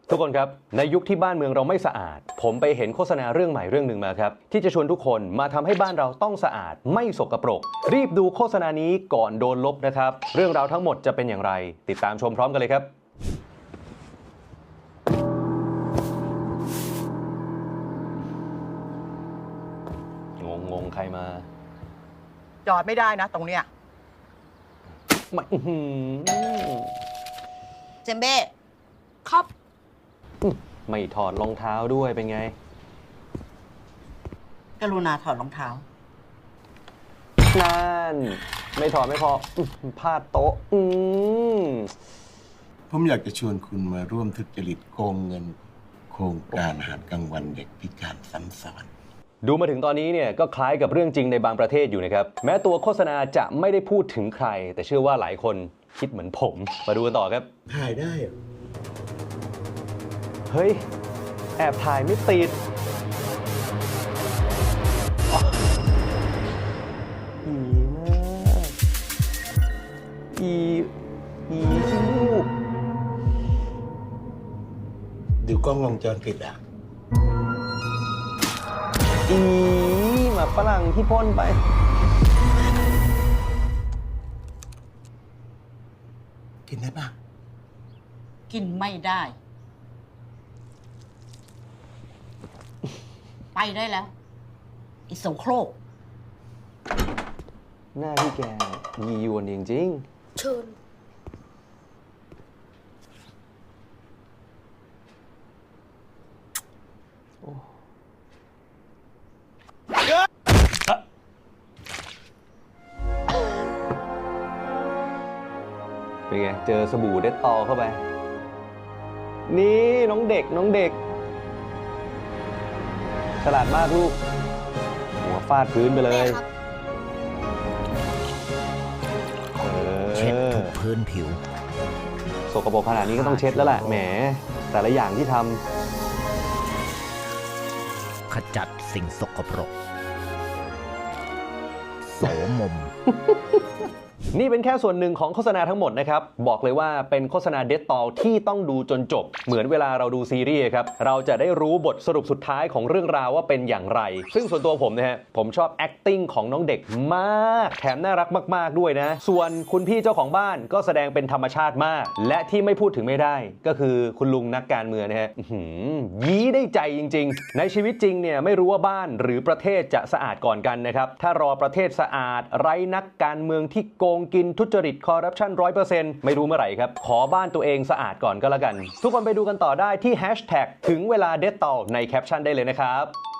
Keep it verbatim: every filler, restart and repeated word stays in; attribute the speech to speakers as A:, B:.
A: ทุกคนครับในยุคที่บ้านเมืองเราไม่สะอาดผมไปเห็นโฆษณาเรื่องใหม่เรื่องหนึ่งมาครับที่จะชวนทุกคนมาทำให้บ้านเราต้องสะอาดไม่สกปรกรีบดูโฆษณานี้ก่อนโดนลบนะครับเรื่องราวทั้งหมดจะเป็นอย่างไรติดตามชมพร้อมกันเลยครับงงงงใครมา
B: จอดไม่ได้นะตรงเนี้ย
A: ไม่อื้อหือ
B: เจมเบ้ครับ
A: ไม่ถอดรองเท้าด้วยเป็นไง
B: กรุณาถอดรองเท้า
A: นั่นไม่ถอดไม่พอพลาดโต๊ะอืม
C: ผมอยากจะชวนคุณมาร่วมทุจริตโกงเงินโครงการอาหารกลางวันเด็กพิการซ้ำซ้อน
A: ดูมาถึงตอนนี้เนี่ยก็คล้ายกับเรื่องจริงในบางประเทศอยู่นะครับแม้ตัวโฆษณาจะไม่ได้พูดถึงใครแต่เชื่อว่าหลายคนคิดเหมือนผมมาดูกันต่อครับ
C: ถ่ายได้เหรอ
A: เฮ้ยแอบถ่ายไม่ติดอีนะอีอีขี้มูก
C: ดูกล้องวงจรปิดอ่ะ
A: อีหมาฝรั่งที่พ่นไป
C: กินได้ปะ
B: กินไม่ได้ไปได้แล้วไอ้โสโครก
A: หน้าพี่แกยียวนจริง
B: เชิญ
A: เป็นไงเจอสบู่เด็ดตอเข้าไปนี่น้องเด็กน้องเด็กฉลาดมากลูกหัวฟาดพื้นไปเลย
D: เช็ดทุกพื้นผิว
A: สกปรกขนาดนี้ก็ต้องเช็ดแล้วแหละแหมแต่ละอย่างที่ท
D: ำขจัดสิ่งสกปรกโสมม
A: นี่เป็นแค่ส่วนหนึ่งของโฆษณาทั้งหมดนะครับบอกเลยว่าเป็นโฆษณาเด็ดตอที่ต้องดูจนจบเหมือนเวลาเราดูซีรีส์ครับเราจะได้รู้บทสรุปสุดท้ายของเรื่องราวว่าเป็นอย่างไรซึ่งส่วนตัวผมนะฮะผมชอบ acting ของน้องเด็กมากแถมน่ารักมากๆด้วยนะส่วนคุณพี่เจ้าของบ้านก็แสดงเป็นธรรมชาติมากและที่ไม่พูดถึงไม่ได้ก็คือคุณลุงนักการเมืองนะฮะยี้ได้ใจจริงๆในชีวิตจริงเนี่ยไม่รู้ว่าบ้านหรือประเทศจะสะอาดก่อนกันนะครับถ้ารอประเทศสะอาดไร้นักการเมืองที่โกงกินทุจริตคอร์รัปชัน ร้อยเปอร์เซ็นต์ ไม่รู้เมื่อไหร่ครับขอบ้านตัวเองสะอาดก่อนก็แล้วกันทุกคนไปดูกันต่อได้ที่แฮชแท็กถึงเวลาเด็ดตอในแคปชั่นได้เลยนะครับ